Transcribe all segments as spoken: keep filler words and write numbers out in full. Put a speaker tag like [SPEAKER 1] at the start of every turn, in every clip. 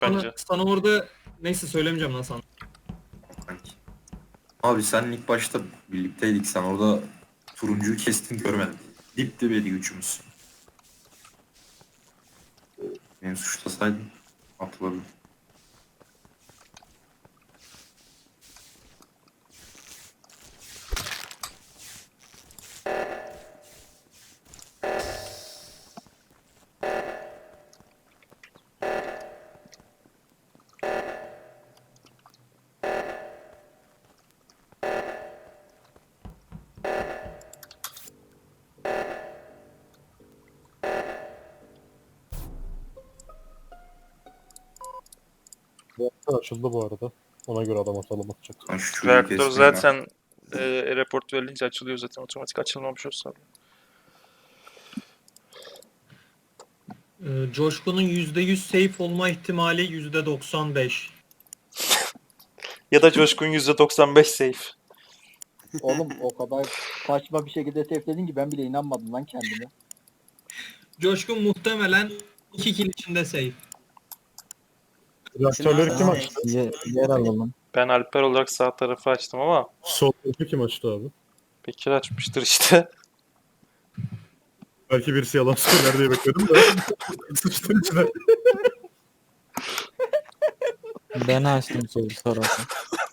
[SPEAKER 1] bence.
[SPEAKER 2] Sana, sana orada neyse söylemeyeceğim lan sana.
[SPEAKER 3] Sanki. Abi sen ilk başta birlikteydik. Sen orada turuncuyu kestin görmedim. Dip dibeydi üçümüz. Beni suçlasaydın atılırdım.
[SPEAKER 4] Reaktör açıldı bu arada. Ona göre adam atalım atacak.
[SPEAKER 3] Ben şu çocuğu
[SPEAKER 1] Reaktör
[SPEAKER 3] kesmeyeyim
[SPEAKER 1] zaten e, report verilince açılıyor zaten. Otomatik açılmamış olsa.
[SPEAKER 2] Ee, Coşkun'un yüzde yüz safe olma ihtimali yüzde doksan beş.
[SPEAKER 1] Ya da Coşkun yüzde doksan beş safe.
[SPEAKER 5] Oğlum o kadar saçma bir şekilde safe'ledin ki ben bile inanmadım lan kendime.
[SPEAKER 2] Coşkun muhtemelen iki kill içinde safe.
[SPEAKER 4] Reaktörleri kim
[SPEAKER 5] Tamam.
[SPEAKER 4] açtı?
[SPEAKER 5] Ye- yer alalım.
[SPEAKER 1] Ben Alper olarak sağ tarafı açtım ama
[SPEAKER 4] Sol tarafı kim açtı abi?
[SPEAKER 1] Bekir açmıştır işte.
[SPEAKER 4] Belki birisi yalan söyler diye bekledim de. Sıçtım içine.
[SPEAKER 5] Ben açtım sol tarafı.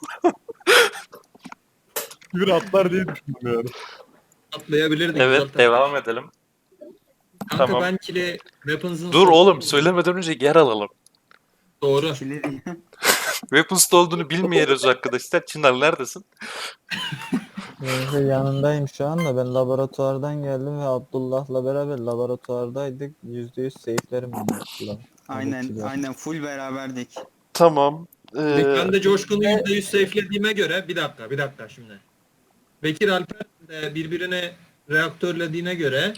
[SPEAKER 4] Bir atlar diye düşündüm yani.
[SPEAKER 2] Atlayabilirdik
[SPEAKER 1] Evet,
[SPEAKER 2] zaten.
[SPEAKER 1] devam edelim.
[SPEAKER 2] Kanka
[SPEAKER 1] Tamam.
[SPEAKER 2] ben kill'i weapons'ın...
[SPEAKER 1] Dur oğlum, söylemeden önce yer alalım.
[SPEAKER 2] Doğru.
[SPEAKER 1] Weapons'ta olduğunu bilmiyoruz arkadaşlar. Çınar neredesin?
[SPEAKER 5] Neyse yanındayım şu anda. Ben laboratuvardan geldim ve Abdullah'la beraber laboratuvardaydık. yüzde yüz safe'lerim Abdullah.
[SPEAKER 6] Aynen aynen full beraberdik.
[SPEAKER 1] Tamam. Ee,
[SPEAKER 2] Ben de Coşkun'u yüzde yüz safelediğime göre... Bir dakika, bir dakika şimdi. Bekir Alper de birbirine reaktörlediğine göre...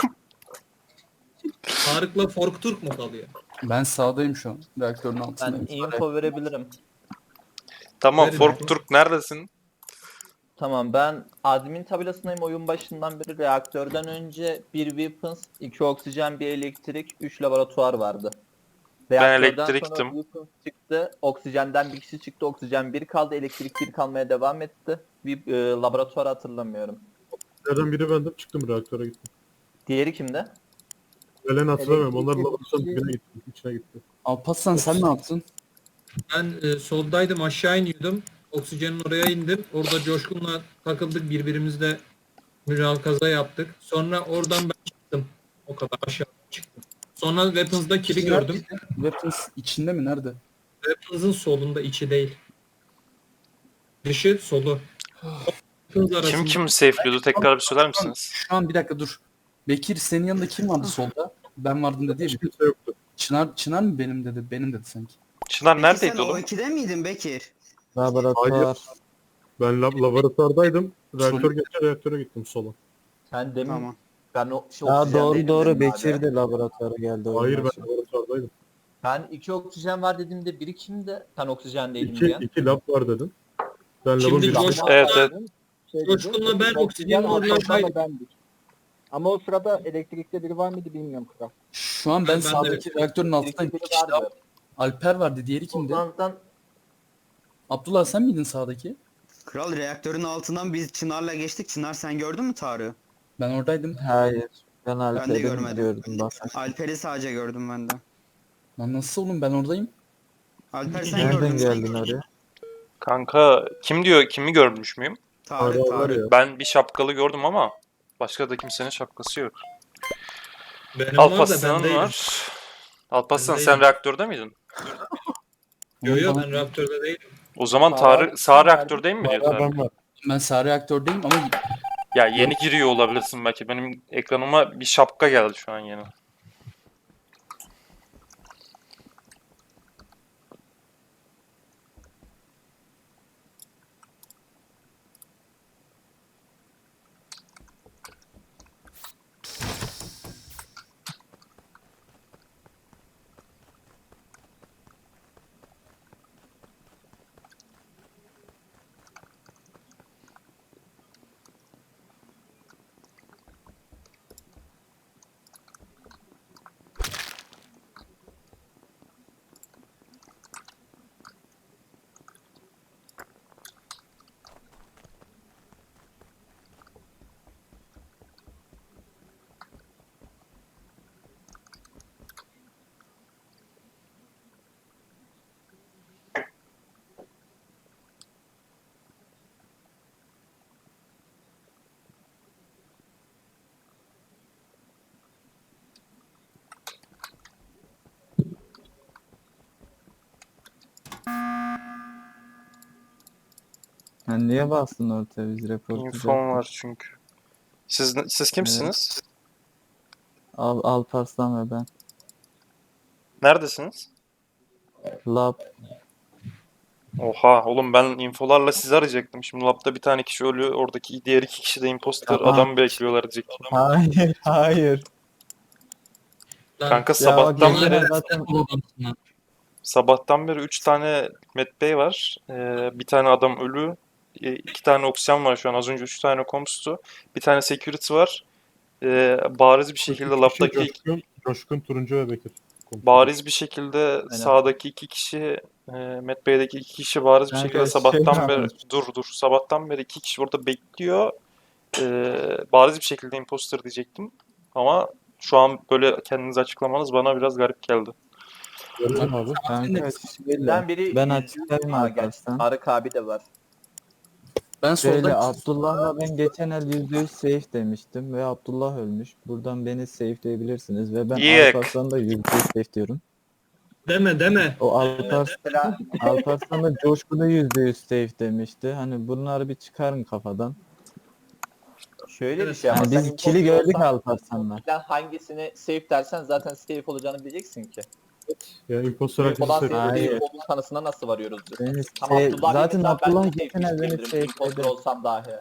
[SPEAKER 2] Tarık'la Fork Turk mu kalıyor?
[SPEAKER 7] Ben sağdayım şu an. Reaktörün altındayım.
[SPEAKER 8] Ben info verebilirim.
[SPEAKER 1] tamam,
[SPEAKER 2] Verin
[SPEAKER 1] Fork
[SPEAKER 2] abi.
[SPEAKER 1] Turk neredesin?
[SPEAKER 8] Tamam, ben admin tabelasındayım oyun başından beri. Reaktörden önce bir weapons, iki oksijen, bir elektrik, üç laboratuvar vardı. Reaktörden
[SPEAKER 1] elektriktim.
[SPEAKER 8] sonra weapons çıktı, oksijenden bir kişi çıktı, oksijen bir kaldı, elektrik bir kalmaya devam etti. Bir e, laboratuvar hatırlamıyorum.
[SPEAKER 4] Nereden biri bendim çıktım reaktöre gittim.
[SPEAKER 8] Diğeri kimde?
[SPEAKER 4] Ölen hatırlamıyorum. Onlar
[SPEAKER 5] Elektrik
[SPEAKER 4] laboratuvarın
[SPEAKER 5] etkisi-
[SPEAKER 4] dibine gitti. İçine gitti.
[SPEAKER 7] Alparslan sen ne yaptın?
[SPEAKER 2] Ben e, soldaydım, aşağı iniyordum. Oksijenin oraya indim. Orada Coşkun'la takıldık, birbirimizle mülakaza yaptık. Sonra oradan ben çıktım. O kadar aşağı çıktım. Sonra Weapons'da kill'i gördüm.
[SPEAKER 7] Weapons içinde mi? Nerede?
[SPEAKER 2] Weapons'ın solunda, içi değil. Dışı, solu. Weapons arasında.
[SPEAKER 1] Kim kim safe'liyordu? Tekrar bir söyler
[SPEAKER 7] Şu an,
[SPEAKER 1] misiniz?
[SPEAKER 7] şu an bir dakika dur. Bekir senin yanında kim vardı solda? Ben vardım dedi ya.
[SPEAKER 4] Hiç kimse yoktu.
[SPEAKER 7] Çınar, Çınar mı benim dedi? Benim dedi sanki.
[SPEAKER 1] Çınar
[SPEAKER 6] Peki
[SPEAKER 1] neredeydi
[SPEAKER 6] sen
[SPEAKER 1] oğlum?
[SPEAKER 6] o ikide miydin Bekir?
[SPEAKER 5] Laboratuvar.
[SPEAKER 4] Ben lab laboratuvardaydım. Reaktör geçti reaktöre gittim sola.
[SPEAKER 8] Sen demin
[SPEAKER 6] Tamam.
[SPEAKER 8] ben o şey,
[SPEAKER 5] Ya
[SPEAKER 8] oksijendeydim
[SPEAKER 5] doğru doğru
[SPEAKER 8] dedim abi.
[SPEAKER 5] Bekir de laboratuvara geldi. oyun
[SPEAKER 4] Hayır ben
[SPEAKER 5] başı.
[SPEAKER 4] laboratuvardaydım.
[SPEAKER 8] Ben iki oksijen var dediğimde biri kimdi? Sen oksijendeydim
[SPEAKER 4] İki,
[SPEAKER 8] diyen.
[SPEAKER 4] iki lab var dedin. Ben labın
[SPEAKER 2] Şimdi
[SPEAKER 4] bir
[SPEAKER 2] Coşkun-
[SPEAKER 1] Evet, evet.
[SPEAKER 5] Şey
[SPEAKER 2] Coşkun'la ben oksijenin oradaydım.
[SPEAKER 5] bendik. Ama o sırada elektrikte biri var mıydı bilmiyorum kral.
[SPEAKER 7] Şu an ben,
[SPEAKER 2] Ben- ben de
[SPEAKER 7] sağdaki reaktörün altındayım.
[SPEAKER 8] Biri
[SPEAKER 7] Bir kişi daha-
[SPEAKER 8] vardı.
[SPEAKER 7] Alper vardı. Diğeri kimdi?
[SPEAKER 8] Ozan'dan
[SPEAKER 7] Abdullah sen miydin sağdaki?
[SPEAKER 6] Kral reaktörün altından biz Çınar'la geçtik. Çınar sen gördün mü Tarık'ı?
[SPEAKER 7] Ben oradaydım.
[SPEAKER 5] Hayır. Ben Alper'i
[SPEAKER 6] görmedim.
[SPEAKER 5] gördüm bak.
[SPEAKER 6] Alper'i sadece gördüm ben de.
[SPEAKER 7] Lan nasıl oğlum ben oradayım.
[SPEAKER 6] Alper sen
[SPEAKER 5] Nereden
[SPEAKER 6] gördün mü?
[SPEAKER 5] geldin oraya?
[SPEAKER 1] Kanka kim diyor? Kimi görmüş müyüm?
[SPEAKER 6] Tarık
[SPEAKER 4] Tarık var
[SPEAKER 6] Tarık.
[SPEAKER 4] ya.
[SPEAKER 1] Ben bir şapkalı gördüm ama başka da kimsenin şapkası yok.
[SPEAKER 2] Benim var da ben
[SPEAKER 1] Alparslan
[SPEAKER 2] değilim.
[SPEAKER 1] var. Alparslan
[SPEAKER 2] Ben
[SPEAKER 1] sen
[SPEAKER 2] değilim.
[SPEAKER 1] reaktörde miydin?
[SPEAKER 2] Yo yo
[SPEAKER 7] Bana-
[SPEAKER 2] ben reaktörde değilim.
[SPEAKER 1] O zaman
[SPEAKER 8] Sağ-
[SPEAKER 1] Tarık sağ reaktördeyim mi diyor
[SPEAKER 4] Hala
[SPEAKER 1] Tarık?
[SPEAKER 4] ben var.
[SPEAKER 7] Ben sağ reaktördeyim ama
[SPEAKER 1] Ya yeni giriyor olabilirsin belki. Benim ekranıma bir şapka geldi şu an yeni.
[SPEAKER 5] Ha, niye bastın ortaya biz reportlayacaktık?
[SPEAKER 1] İnfom var çünkü. Siz siz kimsiniz?
[SPEAKER 5] Al, Alparslan ve ben.
[SPEAKER 1] Neredesiniz?
[SPEAKER 5] Lab.
[SPEAKER 1] Oha oğlum, ben infolarla sizi arayacaktım. Şimdi labda bir tane kişi ölüyor. Oradaki diğer iki kişi de imposter.
[SPEAKER 5] Tamam.
[SPEAKER 1] Adam bekliyorlar diyecektim.
[SPEAKER 5] Hayır, hayır.
[SPEAKER 2] Lan,
[SPEAKER 1] Kanka
[SPEAKER 5] Ya
[SPEAKER 1] sabahtan
[SPEAKER 5] bak,
[SPEAKER 1] beri
[SPEAKER 5] genel zaten
[SPEAKER 2] bu adamsın ha.
[SPEAKER 1] sabahtan beri üç tane Met Bey var. Ee, bir tane adam ölü. Ee, iki tane oksijen var şu an. Az önce üç tane komstu. Bir tane security var. Ee, bariz bir şekilde
[SPEAKER 4] Üç kişi
[SPEAKER 1] labdaki
[SPEAKER 4] Coşkun, Coşkun, Turuncu ve Bekir.
[SPEAKER 1] bariz bir şekilde sağdaki iki kişi, e, Met Bey'deki iki kişi bariz bir
[SPEAKER 5] Kanka,
[SPEAKER 1] şekilde
[SPEAKER 5] şey
[SPEAKER 1] sabahtan beri
[SPEAKER 5] varmış.
[SPEAKER 1] dur dur sabahtan beri iki kişi burada bekliyor. Ee, bariz bir şekilde imposter diyecektim. Ama şu an böyle kendinizi açıklamanız bana biraz garip geldi.
[SPEAKER 4] Gördün abi.
[SPEAKER 5] kanka şöyle.
[SPEAKER 8] Ben biri
[SPEAKER 5] Ben
[SPEAKER 8] yüzde
[SPEAKER 5] açıklayayım
[SPEAKER 8] Ha, gerçi
[SPEAKER 5] Alparslan.
[SPEAKER 8] Tarık abi de var.
[SPEAKER 7] Ben
[SPEAKER 5] Şöyle
[SPEAKER 7] solda
[SPEAKER 5] Abdullah'la ben geçen el yüzde yüz safe demiştim ve Abdullah ölmüş. Buradan beni safe'leyebilirsiniz ve ben
[SPEAKER 1] Yek.
[SPEAKER 5] Alparslan'da yüzde yüz safe diyorum.
[SPEAKER 2] Deme deme.
[SPEAKER 5] O Alparslan,
[SPEAKER 8] Mesela
[SPEAKER 5] Alparslan da Coşkun'u yüzde yüz safe demişti. Hani bunları bir çıkarın kafadan.
[SPEAKER 8] şöyle bir şey ama
[SPEAKER 5] Yani
[SPEAKER 8] sen
[SPEAKER 5] biz
[SPEAKER 8] imposter
[SPEAKER 5] kili gördük
[SPEAKER 8] olsan,
[SPEAKER 5] Alparslan'la.
[SPEAKER 8] sen hangisini safe dersen zaten safe olacağını bileceksin ki.
[SPEAKER 4] Ya imposter herkesi
[SPEAKER 8] Olan
[SPEAKER 4] seviyor.
[SPEAKER 5] Hayır.
[SPEAKER 8] senin olduğun kanısına nasıl varıyoruz biz?
[SPEAKER 5] Beni
[SPEAKER 8] Tamam,
[SPEAKER 5] safe-
[SPEAKER 8] Abdullah
[SPEAKER 5] zaten
[SPEAKER 8] zaten ben
[SPEAKER 5] Abdullah
[SPEAKER 8] de
[SPEAKER 5] geçen
[SPEAKER 8] safe
[SPEAKER 5] el beni
[SPEAKER 8] diyebilirim. Imposter
[SPEAKER 5] safe
[SPEAKER 8] olsam dahi.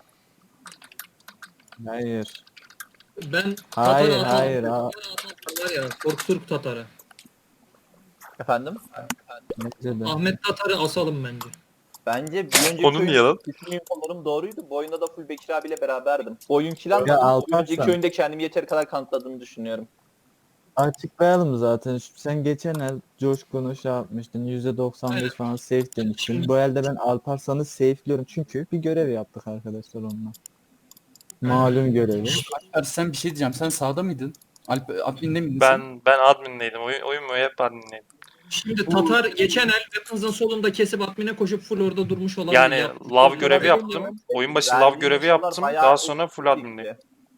[SPEAKER 5] Hayır.
[SPEAKER 2] Ben
[SPEAKER 5] Hayır,
[SPEAKER 2] Tatar'ı
[SPEAKER 5] hayır.
[SPEAKER 2] atalım.
[SPEAKER 5] ha-
[SPEAKER 2] Var ya Korkturk Tatar'ı.
[SPEAKER 8] Efendim?
[SPEAKER 5] Bence de.
[SPEAKER 2] Ahmet Tatar'ı asalım bence.
[SPEAKER 8] Bence bir önceki
[SPEAKER 1] Onu niye lan?
[SPEAKER 8] bütün infolarım doğruydu. Bu oyunda da full Bekir abiyle beraberdim. Bu oyun kilan
[SPEAKER 5] Ya
[SPEAKER 8] da
[SPEAKER 5] Alparslan.
[SPEAKER 8] önceki oyunda kendimi yeteri kadar kanıtladığını düşünüyorum.
[SPEAKER 5] Açıklayalım zaten. Şu- Sen geçen el Coşkun'u şey yapmıştın. yüzde doksan beş falan safe demiştin. Bu elde ben Alparslan'ı safe'liyorum. Çünkü bir görev yaptık arkadaşlar onunla. Malum görevi.
[SPEAKER 7] Alper, sen bir şey diyeceğim. Sen sağda mıydın? Alp, adminde miydin sen?
[SPEAKER 1] Ben ben admindeydim. Oyun oyun mu hep admindeydim.
[SPEAKER 2] Şimdi Tatar geçen el Weapons'ın solunda kesip admine koşup full orada durmuş olabilir.
[SPEAKER 1] Yani
[SPEAKER 2] Yaptı.
[SPEAKER 1] lav görevi
[SPEAKER 2] Yaptı.
[SPEAKER 1] yaptım. Oyun başı
[SPEAKER 8] Verdiğim
[SPEAKER 1] lav görevi
[SPEAKER 8] infolar
[SPEAKER 1] yaptım.
[SPEAKER 8] bayağı
[SPEAKER 1] Daha sonra full
[SPEAKER 8] eskiydi.
[SPEAKER 1] admindeyim.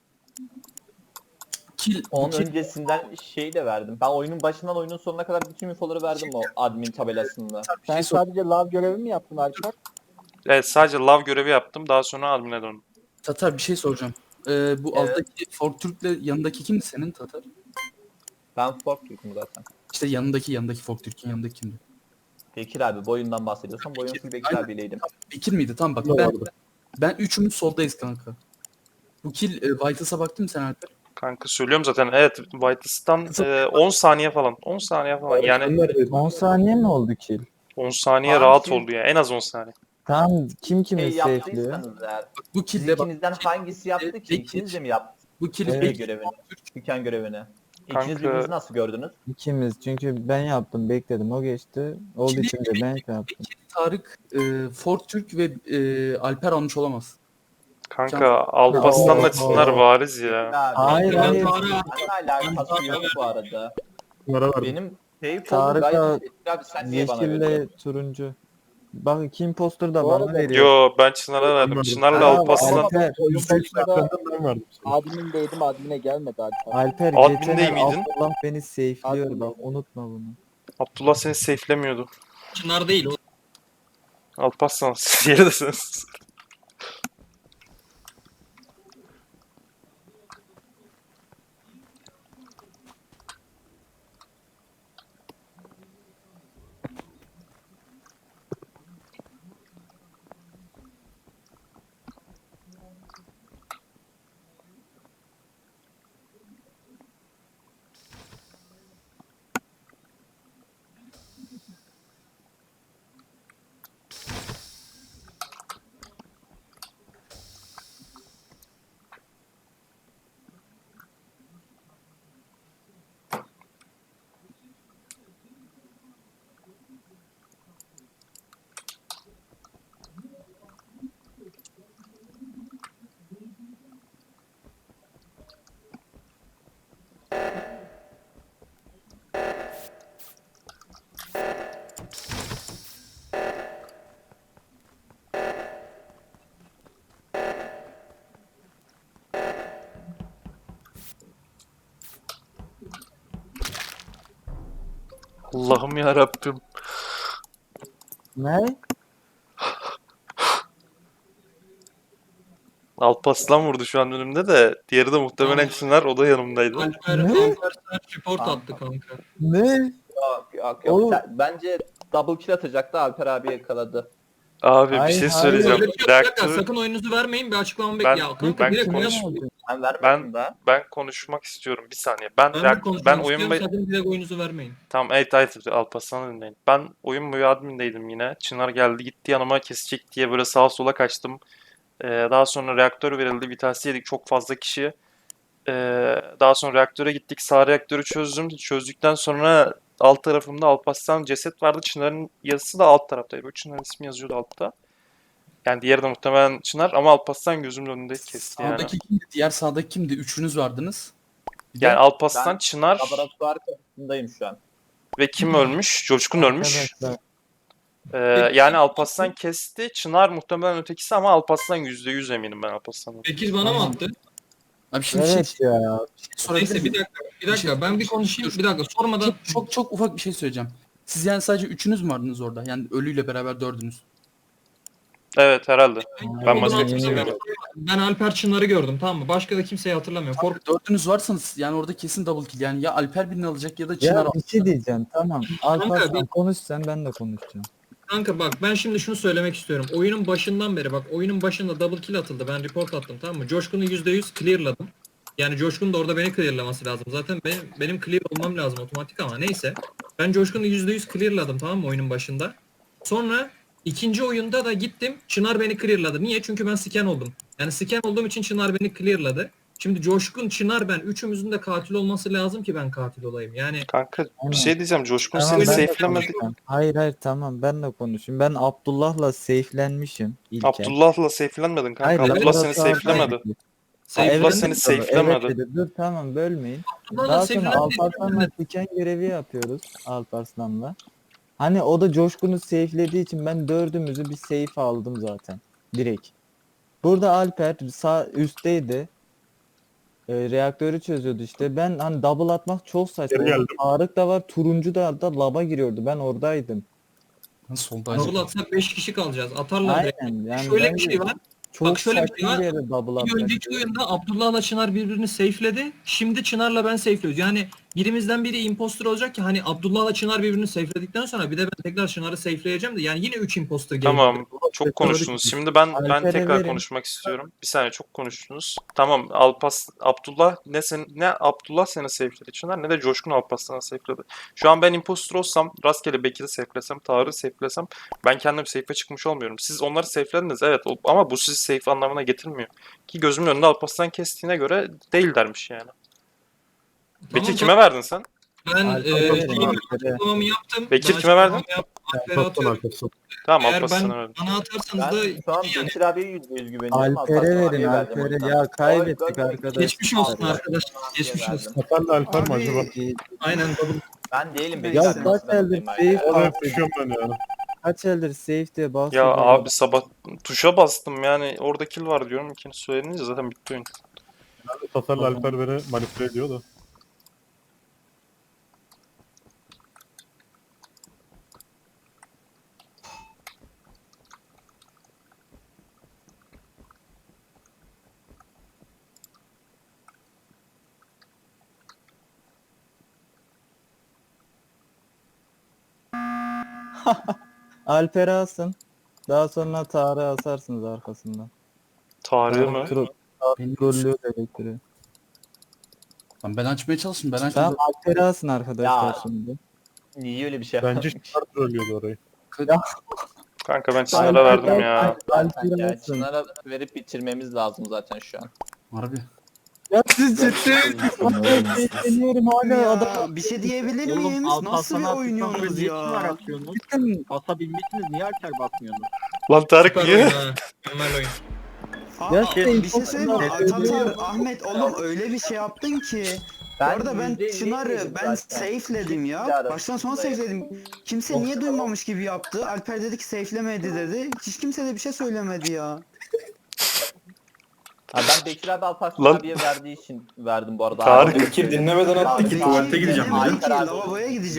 [SPEAKER 7] Kill,
[SPEAKER 8] Onun
[SPEAKER 7] kill-
[SPEAKER 8] öncesinden şey de verdim. Ben oyunun başından oyunun sonuna kadar bütün infoları verdim o admin tabelasında.
[SPEAKER 7] bir şey sor-
[SPEAKER 9] sadece lav görevi mi yaptın Alper?
[SPEAKER 1] Evet, sadece lav görevi yaptım. Daha sonra admine döndüm.
[SPEAKER 7] Tatar, bir şey soracağım. Ee, bu
[SPEAKER 8] Evet.
[SPEAKER 7] alttaki Ford Türk'le yanındaki kimdi senin Tatar?
[SPEAKER 8] Ben Fork Türk'üm zaten.
[SPEAKER 7] İşte yanındaki yanındaki Ford Türk'ün yanındaki kimdi?
[SPEAKER 8] Bekir abi bu oyundan bahsediyorsan bu oyun full Bekir
[SPEAKER 7] Aynen.
[SPEAKER 8] abiyleydim.
[SPEAKER 7] Bekir miydi? Tamam bak
[SPEAKER 4] Ne
[SPEAKER 7] ben,
[SPEAKER 4] vardı?
[SPEAKER 7] ben üçümüz soldayız kanka. Bu kill e, Vitals'a baktın mı sen Alper?
[SPEAKER 1] Kanka söylüyorum zaten. Evet, Whitelist'tan e, on saniye falan. on saniye falan.
[SPEAKER 4] Sen
[SPEAKER 1] Yani
[SPEAKER 4] neredeydin?
[SPEAKER 5] on saniye mi oldu kill?
[SPEAKER 1] on saniye
[SPEAKER 8] Abi
[SPEAKER 1] rahat
[SPEAKER 8] siz-
[SPEAKER 1] oldu ya. En az on saniye.
[SPEAKER 5] Tamam, kim kimi
[SPEAKER 8] Şey
[SPEAKER 5] safe'liyor?
[SPEAKER 8] yaptıysanız eğer.
[SPEAKER 7] Bu
[SPEAKER 8] Siz
[SPEAKER 7] kill'de bak.
[SPEAKER 8] ikinizden hangisi yaptı ki?
[SPEAKER 7] Bekir.
[SPEAKER 8] İkiniz de mi yaptı?
[SPEAKER 7] Bu kill
[SPEAKER 5] Evet.
[SPEAKER 8] Şey görevini. Dükkan görevini. İkiniz
[SPEAKER 1] Kanka-
[SPEAKER 8] birbirinizi nasıl gördünüz?
[SPEAKER 5] İkimiz. Çünkü ben yaptım, bekledim. O geçti. Olduğu
[SPEAKER 7] Şimdi-
[SPEAKER 5] için de ben şey yaptım.
[SPEAKER 7] Bekir, Tarık, e, Ford Türk ve e, Alper almış olamaz.
[SPEAKER 1] Kanka Alparslan'la
[SPEAKER 5] Oo.
[SPEAKER 1] Çınar bariz ya.
[SPEAKER 8] Abi,
[SPEAKER 5] Hayır,
[SPEAKER 8] ben
[SPEAKER 5] hayır.
[SPEAKER 8] Tarık'la alakası yok bu arada.
[SPEAKER 4] Bunlara verdim.
[SPEAKER 8] Benim şey
[SPEAKER 5] Tarık'la
[SPEAKER 8] gayet Bekir abi sen niye bana
[SPEAKER 5] Yeşille
[SPEAKER 8] veriyorsun?
[SPEAKER 5] turuncu. Bak kim poster da
[SPEAKER 9] Bu
[SPEAKER 5] bana
[SPEAKER 9] arada-
[SPEAKER 5] veriyor.
[SPEAKER 1] Yo, ben Çınar'a verdim.
[SPEAKER 4] Verdim.
[SPEAKER 1] Çınar'la
[SPEAKER 5] Aa,
[SPEAKER 1] Alparslan.
[SPEAKER 5] Alper,
[SPEAKER 9] Oyun
[SPEAKER 4] Yüzde yüz
[SPEAKER 9] başında
[SPEAKER 4] safe'lerden ben verdim sana.
[SPEAKER 9] admindeydim admine gelmedi Alper.
[SPEAKER 5] Alper
[SPEAKER 1] Admin
[SPEAKER 5] geçen
[SPEAKER 1] değil
[SPEAKER 5] el
[SPEAKER 1] miydin?
[SPEAKER 5] Abdullah beni safe'liyor
[SPEAKER 9] Admin.
[SPEAKER 5] bak, unutma bunu.
[SPEAKER 1] Abdullah seni safe'lemiyordu.
[SPEAKER 2] Çınar değil o.
[SPEAKER 1] Alparslan siz yeridesiniz. Allah'ım ya Rabbim.
[SPEAKER 5] Ne?
[SPEAKER 1] Alparslan vurdu şu an önümde de. Diğeri de muhtemelen
[SPEAKER 2] Tamam.
[SPEAKER 1] Çınar, o da yanımdaydı.
[SPEAKER 2] Alper,
[SPEAKER 5] Ne?
[SPEAKER 2] Alper sert report
[SPEAKER 8] Kanka.
[SPEAKER 2] attı kanka.
[SPEAKER 5] Ne?
[SPEAKER 8] Yok yok yok.
[SPEAKER 5] Oğlum.
[SPEAKER 8] Sen- bence double kill atacaktı, Alper abi yakaladı.
[SPEAKER 1] Abi bir
[SPEAKER 5] Hayır,
[SPEAKER 1] şey
[SPEAKER 5] hayır.
[SPEAKER 1] söyleyeceğim.
[SPEAKER 2] Öyle bir şey yok. Bir dakika,
[SPEAKER 1] Reaktörü
[SPEAKER 2] sakın oyunuzu vermeyin, bir açıklamamı
[SPEAKER 1] Ben-
[SPEAKER 2] bekle. Ya kanka
[SPEAKER 1] ben
[SPEAKER 2] direkt
[SPEAKER 1] konuş-
[SPEAKER 2] oyuna
[SPEAKER 5] oldu?
[SPEAKER 8] Ben vermedim
[SPEAKER 1] Ben-
[SPEAKER 8] daha.
[SPEAKER 1] ben konuşmak istiyorum. Bir saniye. Ben
[SPEAKER 2] Ben de
[SPEAKER 1] reaktör,
[SPEAKER 2] konuşmak
[SPEAKER 1] ben
[SPEAKER 2] istiyorum,
[SPEAKER 1] oyun
[SPEAKER 2] sakın direkt oyunuzu vermeyin.
[SPEAKER 1] Tamam, evet evet, Alparslan'ı dinleyin. Ben oyun boyu admindeydim yine. Çınar geldi gitti yanıma, kesecek diye böyle sağa sola kaçtım. Ee, daha sonra reaktör verildi. Vitasi yedik çok fazla kişi. Ee, daha sonra reaktöre gittik. Sağ reaktörü çözdüm. Çözdükten sonra alt tarafımda Alparslan ceset vardı. Çınar'ın yazısı da alt taraftaydı. Böyle Çınar'ın ismi yazıyordu altta. Yani diğeri de muhtemelen Çınar ama Alparslan gözümün önünde kesti yani.
[SPEAKER 7] Sağdaki kimdi? Diğer sağdaki kimdi? Üçünüz vardınız. Bir de
[SPEAKER 1] Yani Alparslan,
[SPEAKER 8] Ben-
[SPEAKER 1] Çınar
[SPEAKER 8] Laboratuvar kapısındayım şu an.
[SPEAKER 1] ve kim ölmüş? Coşkun ölmüş.
[SPEAKER 5] Arkadaşlar,
[SPEAKER 1] Ee, yani Alparslan kesti. Çınar muhtemelen ötekisi ama Alparslan yüzde yüz eminim ben Alparslan'ın.
[SPEAKER 2] Bekir bana mı attı?
[SPEAKER 7] Abi şimdi şey,
[SPEAKER 5] evet ya.
[SPEAKER 7] şey sorabilir
[SPEAKER 2] Neyse bir
[SPEAKER 7] miyim?
[SPEAKER 2] dakika, bir dakika ben bir konuşayım, bir dakika sormadan.
[SPEAKER 7] Çok, çok çok ufak bir şey söyleyeceğim. Siz yani sadece üçünüz mü vardınız orada? Yani ölüyle beraber dördünüz.
[SPEAKER 1] Evet herhalde. Ben
[SPEAKER 2] O
[SPEAKER 1] başka
[SPEAKER 2] zaman
[SPEAKER 1] kimseyi
[SPEAKER 2] ben-
[SPEAKER 1] görmedim.
[SPEAKER 2] Ben Alper Çınar'ı gördüm, tamam mı? Başka da kimseyi hatırlamıyorum. Kork
[SPEAKER 7] Dördünüz varsanız yani orada kesin double kill. Yani ya Alper birini alacak ya da Çınar
[SPEAKER 5] Ya
[SPEAKER 7] alacak.
[SPEAKER 5] bir şey diyeceğim, tamam. Alparslan
[SPEAKER 2] bir-
[SPEAKER 5] konuş sen, ben de konuşacağım.
[SPEAKER 2] Kanka bak ben şimdi şunu söylemek istiyorum. Oyunun başından beri bak oyunun başında double kill atıldı. Ben report attım, tamam mı? Coşkun'u yüzde yüz clearladım. Yani Coşkun da orada beni clearlaması lazım. Zaten benim, benim clear olmam lazım otomatik ama neyse. Ben Coşkun'u yüzde yüz clearladım, tamam mı, oyunun başında. Sonra ikinci oyunda da gittim. Çınar beni clearladı. Niye? Çünkü ben scan oldum. Yani scan olduğum için Çınar beni clearladı. Şimdi Coşkun, Çınar, ben üçümüzün de katil olması lazım ki ben katil olayım. Yani
[SPEAKER 1] Kanka bir
[SPEAKER 5] Aynen.
[SPEAKER 1] şey diyeceğim. Coşkun
[SPEAKER 5] Tamam,
[SPEAKER 1] seni
[SPEAKER 5] ben de
[SPEAKER 1] safe'lemedi.
[SPEAKER 5] konuşacağım. Hayır hayır, tamam, ben de konuşayım. Ben Abdullah'la safe'lenmişim ilk el.
[SPEAKER 1] Abdullah'la safe'lenmedin kanka.
[SPEAKER 5] Hayır,
[SPEAKER 1] Abdullah seni
[SPEAKER 5] laboratuvarda-
[SPEAKER 1] safe'lemedi.
[SPEAKER 2] Safe'lendim.
[SPEAKER 1] Abdullah seni
[SPEAKER 5] Evet,
[SPEAKER 1] safe'lemedi.
[SPEAKER 5] dedi. Dur tamam, bölmeyin.
[SPEAKER 2] Abdullah'la
[SPEAKER 5] Daha sonra
[SPEAKER 2] safe'lendim.
[SPEAKER 5] Alparslan'la diken görevi yapıyoruz Alparslan'la. Hani o da Coşkun'u safe'lediği için ben dördümüzü bir safe aldım zaten. Direkt. Burada Alper sağ üstteydi. Ee, reaktörü çözüyordu işte. Ben hani double atmak çok saçma.
[SPEAKER 4] Geri geldim.
[SPEAKER 5] Tarık da var. Turuncu da, da laba giriyordu. Ben oradaydım.
[SPEAKER 7] Ben soldaydım.
[SPEAKER 2] Double atsak beş kişi kalacağız. Atarlar direkt.
[SPEAKER 5] Aynen. Yani
[SPEAKER 2] Şöyle bir
[SPEAKER 5] bence
[SPEAKER 2] şey var.
[SPEAKER 5] çok
[SPEAKER 2] bak şöyle bir
[SPEAKER 5] saçma
[SPEAKER 2] şey var.
[SPEAKER 5] bir yere double
[SPEAKER 2] Bir
[SPEAKER 5] atmak.
[SPEAKER 2] önceki oyunda Abdullah'la Çınar birbirini safe'ledi. Şimdi Çınar'la ben safe'liyoruz. Yani birimizden biri imposter olacak ki hani Abdullah'la Çınar birbirini safe'ledikten sonra bir de ben tekrar Çınar'ı safe'leyeceğim de yani yine üç imposter geliyor.
[SPEAKER 1] Tamam. Çok konuştunuz. Şimdi ben ben
[SPEAKER 5] Alper'e
[SPEAKER 1] tekrar
[SPEAKER 5] verin.
[SPEAKER 1] konuşmak istiyorum. Bir saniye, çok konuştunuz. Tamam, Alpas Abdullah ne sen ne Abdullah seni safe'ledi Çınar ne de Coşkun Alparslan'ı safe'ledi. Şu an ben impostor olsam, rastgele Bekir'i safe'lesem, Tarık'ı safe'lesem ben kendim safe'e çıkmış olmuyorum. Siz onları safe'lediniz evet o- ama bu sizi safe anlamına getirmiyor. Ki gözümün önünde Alparslan kestiğine göre değil dermiş yani. Bekir
[SPEAKER 2] Tamam,
[SPEAKER 1] kime verdin sen?
[SPEAKER 2] Ben
[SPEAKER 5] Alper'e
[SPEAKER 2] e,
[SPEAKER 5] verin,
[SPEAKER 2] şeyimi,
[SPEAKER 5] Alper'e.
[SPEAKER 2] açıklamamı yaptım.
[SPEAKER 1] Bekir
[SPEAKER 2] Ben
[SPEAKER 1] kime verdin?
[SPEAKER 2] açıklamamı yaptım, Alper'e
[SPEAKER 4] Alparslan
[SPEAKER 2] atıyorum.
[SPEAKER 4] arkası.
[SPEAKER 1] Tamam,
[SPEAKER 2] Eğer ben
[SPEAKER 1] Alparslan'a verdim.
[SPEAKER 2] bana atarsanız
[SPEAKER 8] Ben
[SPEAKER 2] da
[SPEAKER 8] şu an
[SPEAKER 2] yani
[SPEAKER 8] Bekir abiye yüzde yüz güveniyorum.
[SPEAKER 5] Alper'e
[SPEAKER 8] Alparslan
[SPEAKER 5] verin,
[SPEAKER 8] abiye verdim o
[SPEAKER 5] Alper'e.
[SPEAKER 8] yüzden.
[SPEAKER 5] Ya kaybettik
[SPEAKER 8] Oy,
[SPEAKER 5] arkadaşlar.
[SPEAKER 2] geçmiş olsun
[SPEAKER 5] Ya.
[SPEAKER 2] arkadaşlar. Geçmiş olsun.
[SPEAKER 4] Hasan'la Alper mi acaba?
[SPEAKER 2] Aynen double.
[SPEAKER 8] Ben değilim Bekir
[SPEAKER 5] Ya
[SPEAKER 8] abi.
[SPEAKER 5] kaç
[SPEAKER 8] nasıl ben
[SPEAKER 5] eldir
[SPEAKER 8] olayım abi?
[SPEAKER 5] safe
[SPEAKER 4] Oraya
[SPEAKER 5] basıyor.
[SPEAKER 4] düşüyorum ben yani.
[SPEAKER 5] Kaç eldir safe diye
[SPEAKER 1] Ya
[SPEAKER 5] basıyor.
[SPEAKER 1] abi sabah tuşa bastım yani orada kill var diyorum. İkinci söyleyince zaten bitti oyun.
[SPEAKER 4] Hasan'la Alper beni manipüle ediyor da.
[SPEAKER 5] Alper'i alsın. Daha sonra Tarık'ı asarsınız arkasından.
[SPEAKER 1] Tarığı mı?
[SPEAKER 5] Tro-
[SPEAKER 7] Benim-
[SPEAKER 5] Trollüyor elektriği.
[SPEAKER 7] Lan ben açmaya çalıştım. Ben açmadım.
[SPEAKER 5] Tamam, Alper'i alsın arkadaşlar
[SPEAKER 8] Ya.
[SPEAKER 5] şimdi.
[SPEAKER 8] Niye öyle bir şey
[SPEAKER 4] Bence
[SPEAKER 8] yapmış?
[SPEAKER 4] Çınar trollüyordu orayı.
[SPEAKER 1] Kanka ben Çınar'a verdim ya.
[SPEAKER 5] Alper'i
[SPEAKER 8] Yani
[SPEAKER 5] alsın.
[SPEAKER 8] Çınar'a verip bitirmemiz lazım zaten şu an.
[SPEAKER 7] Harbi.
[SPEAKER 5] Ya siz ciddi. Alper bekleniyorum hala adam.
[SPEAKER 6] Ya, bir şey diyebilir
[SPEAKER 9] Oğlum,
[SPEAKER 6] miyim? Nasıl
[SPEAKER 9] Alparslan'a
[SPEAKER 6] bir
[SPEAKER 9] attıktan
[SPEAKER 6] oynuyorsunuz
[SPEAKER 9] sonra niye Çınar
[SPEAKER 6] ya?
[SPEAKER 9] atıyorsunuz?
[SPEAKER 5] Cidden
[SPEAKER 9] Basabilmişsiniz, niye Alper bakmıyorsunuz?
[SPEAKER 1] Lan Tarık
[SPEAKER 2] Süper
[SPEAKER 1] niye?
[SPEAKER 2] oyun ha. Mükemmel oyun.
[SPEAKER 6] Aa,
[SPEAKER 5] Ya
[SPEAKER 6] bir
[SPEAKER 5] şey,
[SPEAKER 6] şey söyleyeyim mi?
[SPEAKER 5] Tatar,
[SPEAKER 6] Tatar, Ahmet oğlum öyle bir şey yaptın ki. Bu arada ben
[SPEAKER 8] yüzde elli
[SPEAKER 6] Çınar'ı
[SPEAKER 8] yedim
[SPEAKER 6] ben
[SPEAKER 8] zaten.
[SPEAKER 6] safe'ledim ya. Baştan sona safe'ledim. Kimse niye duymamış gibi yaptı. Alper dedi ki safe'lemedi dedi. Hiç kimse de bir şey söylemedi ya.
[SPEAKER 8] Ha, ben Bekir abi Alparslan
[SPEAKER 1] Lan-
[SPEAKER 8] abiye verdiği için verdim bu arada.
[SPEAKER 1] Tarık-
[SPEAKER 8] Abi,
[SPEAKER 3] Bekir dinlemeden attı ki
[SPEAKER 8] Bekir
[SPEAKER 3] tuvalete gideceğim
[SPEAKER 6] Demedim
[SPEAKER 3] dedi.
[SPEAKER 6] ki lavaboya gideceğim.